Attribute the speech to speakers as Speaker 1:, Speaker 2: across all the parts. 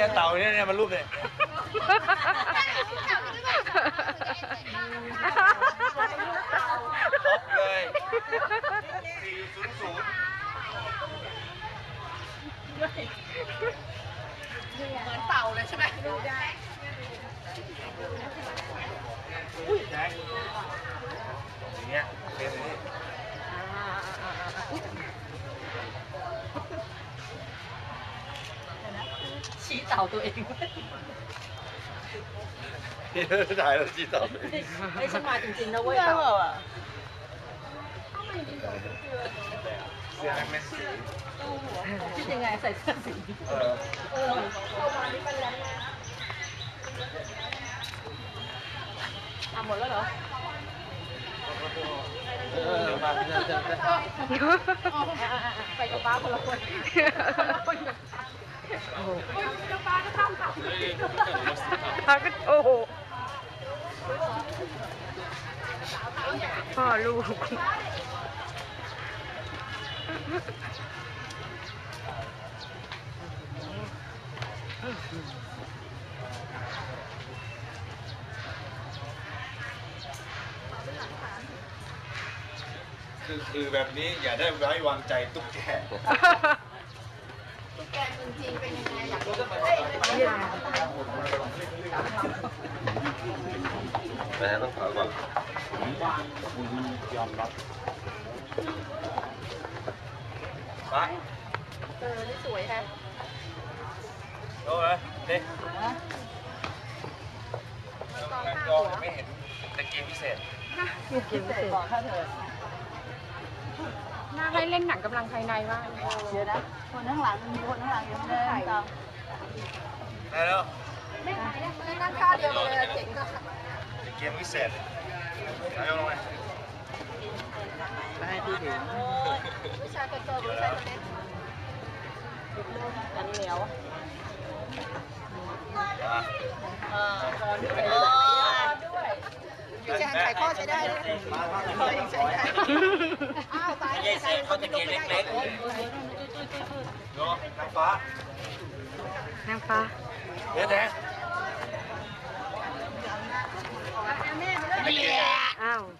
Speaker 1: เต่าเนี่ยมันรูปเลยครบเลย400
Speaker 2: เหมือนเต่าเลยใช่ไหมดูได้
Speaker 1: อุ้ยแจ็คอย่างเงี้ยเป็นอย่างนี้
Speaker 2: ชี้เต่าตัวเอง
Speaker 1: นี่ถ่ายแล้วจีต่อเลย
Speaker 2: ไม่ใช่มาจริงๆนะเว้ยเต่า
Speaker 1: เสื้อแม่สี
Speaker 2: คิดยังไงใส่เสื้อสีหมดแล้วเหรอ
Speaker 1: มา
Speaker 2: ไปกับป้าคนละคนโอ้โหป้าก็ต้องขับ
Speaker 3: ป้าก็โอ้โหพ่อลูก
Speaker 1: คือแบบนี้อย่าได้ไว้วางใจตุ๊กแก
Speaker 2: ตุ๊กแกจริงๆเป็นยังไงอยากรู้
Speaker 1: แต่ต้องขอก่อนยอมรับไป
Speaker 2: นี่สวยแฮะ
Speaker 1: โอ้ยนี่ก็ไม่เห็นตะเกียงพิเศษ
Speaker 2: บอกข้าเถิด
Speaker 3: น่าให้เล่นหนังกำลังภายในบ้าง
Speaker 2: เดี๋ยวนะคนข้างหลังมีคนข้างหลังยังไม่ได้ตาม
Speaker 1: ได้แล้ว
Speaker 2: ไม่ถ่ายนะไม่นั่งท่าเดียวกันเลยเจ๋งก็
Speaker 1: ตะเกียงพิเศษไหนลงไป
Speaker 2: ไปที่ถึงผู้ชายคนโตผู้ชายคนเล็กอันนี้เหนียวด้วยพี่แจงไข่ข้อใช้ได้เลยใช้ได้อ้าวตาย
Speaker 1: ไม่ใช่เขาตะเกียงเล็กๆโน้นางฟ้าน
Speaker 3: างฟ้า
Speaker 1: เดี๋ยวแดง
Speaker 3: อ้าว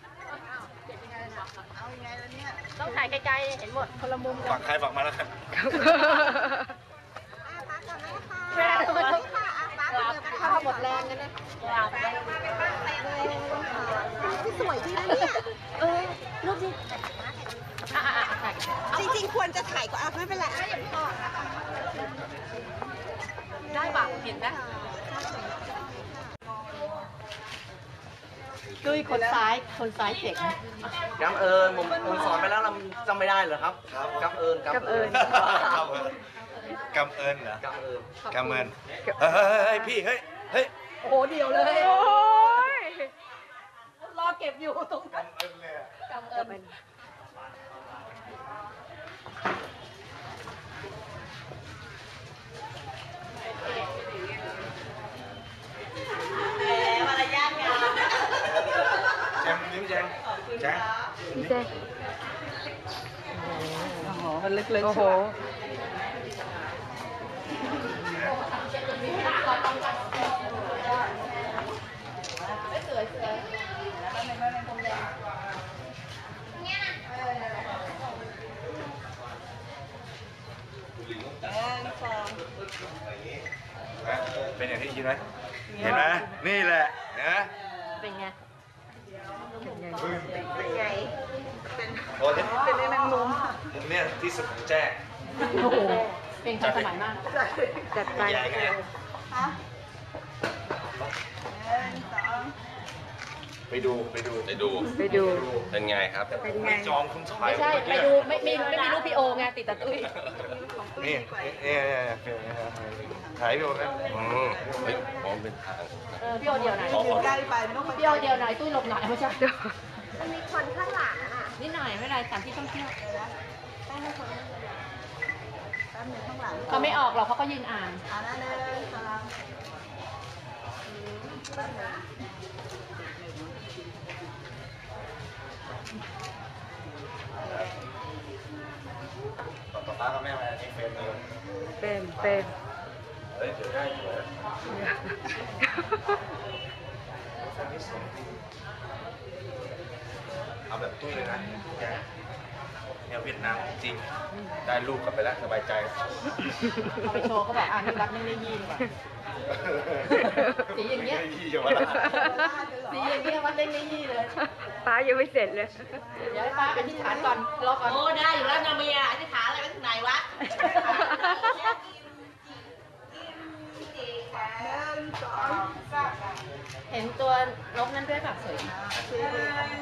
Speaker 2: ต้องถ่ายไกลๆเห็นหมดคนละมุม
Speaker 1: ฝั่งใครฝั่งมาแล้วกัน
Speaker 2: แม่ทำไมต้องข้าวหมดแรงกันนะสวยจริงนะเนี่ยรูปจริงจริงๆควรจะถ่ายก็ไม่เป็นไรได้ป่ะเห็นไหมดุยคนซ้ายเจ๋ง
Speaker 4: กำเอิญผมสอนไปแล้วเราจำไม่ได้เหรอครับกำเอิญ
Speaker 1: กำเอิญเหรอกำเอิญเฮ้ยพี่เฮ้ย
Speaker 2: โอ้โหเดียวเลย
Speaker 3: โอ้ย
Speaker 2: รอเก็บอยู่ตรงนั้นกำเอิญมารยาทงาม
Speaker 1: แจงนิ้วแจง
Speaker 3: พี่แจ๊
Speaker 2: โอ้โหมันลึกๆ
Speaker 3: โอ้โห
Speaker 1: เป็นอย่างที่คิดไหมเห็นไหมนี่แหละนะ
Speaker 2: เป็นไง
Speaker 1: เป็น
Speaker 2: แมงมุม
Speaker 1: มุมเนี่ยที่สุดของแจ้
Speaker 2: โอ้โหเป็นทันสมัยมาก
Speaker 3: จัดไป
Speaker 1: ไปดูเป็นไงครับไม่จองคุณถ่าย
Speaker 2: ไม่ใช่ไปดูไม่มีรูปพี่โอไงติดตะตุ้ย
Speaker 1: นี่ถ่ายพี่โอไหมเฮ้ยมองเป็นทาง
Speaker 2: พี่โอเดียวไหนพี่โอเดียวไหนตุ้ยหลบหน่อยไม่ใช่มันมีคนข้างหลังอ่ะนิดหน่อยไม่เป็นไรสถานที่ท่องเที่ยวเขาไม่ออกหรอกเขาก็ยืนอ่านนั่นเลย
Speaker 1: ต่อป้ากับแม่มาที่เฟรมเลย
Speaker 3: เป็น
Speaker 1: เฮ้ยเดี๋ยวได้อยู่แล้วเอาแบบตุ้ยเลยนะแกแนวเวียดนามจริงได้ลูกกลับไปแล้วสบายใจ
Speaker 2: เอาไปโชว์เขาบอกนี่รักไม่ได้ยีนก่อนสีอย่างเงี้ย
Speaker 1: ยี่เยาวราช
Speaker 2: สีอย่างเงี้ยวัดเล่นไม่ยี่เลย
Speaker 3: ป้ายังไม่เสร็จเลย
Speaker 2: เดี๋ยวให้ป้าอธิษฐานก่อนรอก่อน
Speaker 5: โอ้ได้อยู่แล้วนาเมียอธิษฐานอะไรไปถึงไหนวะ
Speaker 2: เห็นตัวนกนั้นด้วยแบบสวย